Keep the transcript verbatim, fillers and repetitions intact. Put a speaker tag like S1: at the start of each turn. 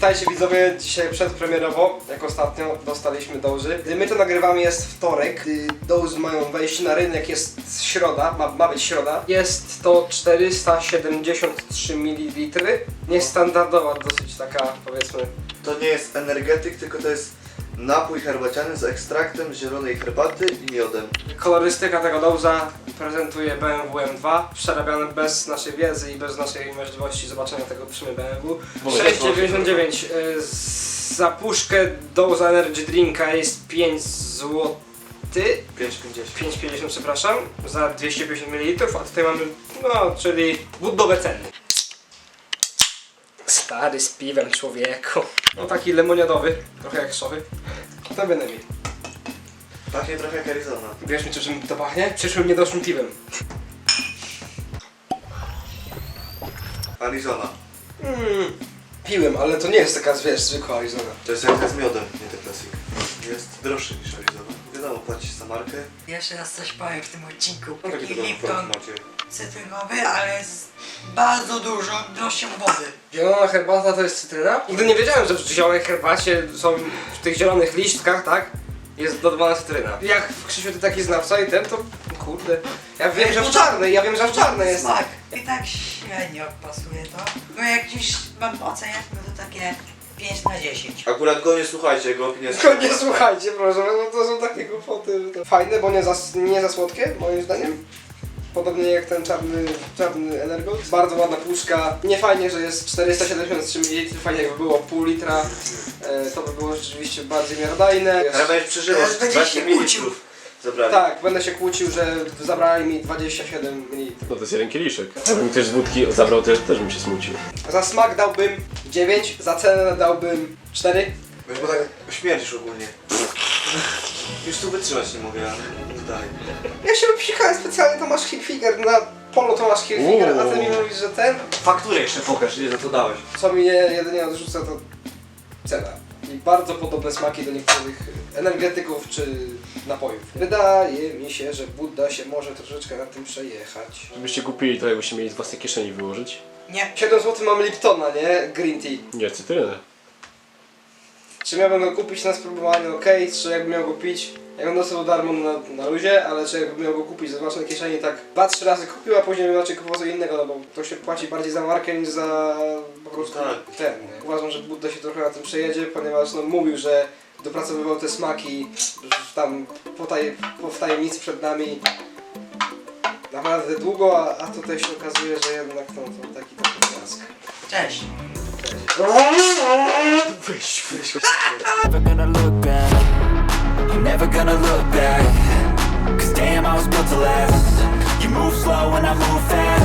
S1: Witajcie widzowie, dzisiaj przedpremierowo, jak ostatnio, dostaliśmy Dozy. Gdy my to nagrywamy, jest wtorek, gdy Dozy mają wejść na rynek, jest środa, ma, ma być środa. Jest to czterysta siedemdziesiąt trzy mililitry, niestandardowa, dosyć taka, powiedzmy.
S2: To nie jest energetyk, tylko to jest napój herbaciany z ekstraktem zielonej herbaty i miodem.
S1: Kolorystyka tego Doza prezentuje B M W M dwa, przerabiane bez naszej wiedzy i bez naszej możliwości zobaczenia tego przy B M W. sześć dziewięćdziesiąt dziewięć. Za puszkę Doza Energy Drinka jest pięć złotych.
S2: pięć pięćdziesiąt.
S1: pięć pięćdziesiąt, przepraszam, za dwieście pięćdziesiąt mililitrów, a tutaj mamy, no, czyli buddowe ceny. Stary z piwem, człowieku. No taki lemoniadowy, trochę jak szowy. To będę miał.
S2: Pachnie trochę jak Arizona.
S1: Wiesz mi, czym to pachnie? Przyszłym niedoszłym piwem.
S2: Arizona.
S1: Mm, piłem, ale to nie jest taka, wiesz, zwykła Arizona.
S2: To jest jak z miodem, nie te klasik. Jest droższy niż Arizona. Wiadomo, płacisz za markę.
S3: Jeszcze raz coś powiem w tym odcinku.
S2: No
S3: Taki
S2: taki to
S3: Lipton
S2: macie.
S3: cytrynowy, ale z bardzo dużo droższą wody.
S1: Zielona herbata to jest cytryna? Nigdy nie wiedziałem, że w zielonej herbacie są, w tych zielonych liśćkach, tak? Jest dodawana cytryna. Jak w Krzysiu ty taki znawca i ten, to kurde. Ja wiem, że w czarnej, ja wiem, że w czarnej jest.
S3: Smak. I tak średnio pasuje to. Bo jak już mam oceniać, no to takie pięć na dziesięć.
S2: Akurat go nie słuchajcie, jego opinia jest...
S1: Tylko nie słuchajcie, proszę, bo to są takie głupoty, że to... Fajne, bo nie za, nie za słodkie, moim zdaniem. Podobnie jak ten czarny, czarny Energold. Bardzo ładna puszka. Nie fajnie, że jest czterysta siedemdziesiąt trzy mililitry, fajnie jakby było pół litra. E, to by było rzeczywiście bardziej miarodajne.
S2: Ale będziesz przeżywał,
S3: Teraz będziesz
S2: dwadzieścia
S3: się
S2: mililitrów zabrali.
S1: Tak, będę się kłócił, że zabrali mi dwadzieścia siedem mililitrów.
S4: No to jest jeden kieliszek. Jakbym ktoś z wódki zabrał, też, też bym się smucił.
S1: Za smak dałbym dziewięć, za cenę dałbym cztery.
S2: Wiesz, bo tak śmierdzisz ogólnie. Już tu wytrzymać nie mogę, ale tutaj.
S1: Ja się wypsikałem specjalnie, to masz Hilfiger, na polu to masz Hilfiger, a ty mi mówisz, że ten?
S2: Fakturę jeszcze pokaż, ile za to dałeś.
S1: Co mnie jedynie odrzuca, to cena. I bardzo podobne smaki do niektórych energetyków czy napojów. Wydaje mi się, że Budda się może troszeczkę na tym przejechać.
S4: Żebyście kupili to, jakbyście mieli z własnej kieszeni wyłożyć.
S3: Nie.
S1: siedem złotych mam Liptona, nie? Green tea.
S4: Nie, cytrynę.
S1: Czy miałbym go kupić na spróbowanie, ok, czy jakbym miał go pić, jakbym dostał darmo na, na luzie, ale czy jakbym miał go kupić ze własnej kieszeni, tak dwa trzy razy kupił, a później bym raczej kupował co innego, no bo to się płaci bardziej za markę niż za po prostu
S2: Tak.
S1: ten. Nie? Uważam, że Budda się trochę na tym przejedzie, ponieważ no, mówił, że dopracowywał te smaki tam po, taj, po w tajemnicy przed nami naprawdę długo, a, a tutaj się okazuje, że jednak no, to taki taki blask.
S3: Cześć.
S1: Wyś, wyś.
S5: Never gonna look back. I'm never gonna look back. Cause damn, I was built to last. You move slow and I move fast.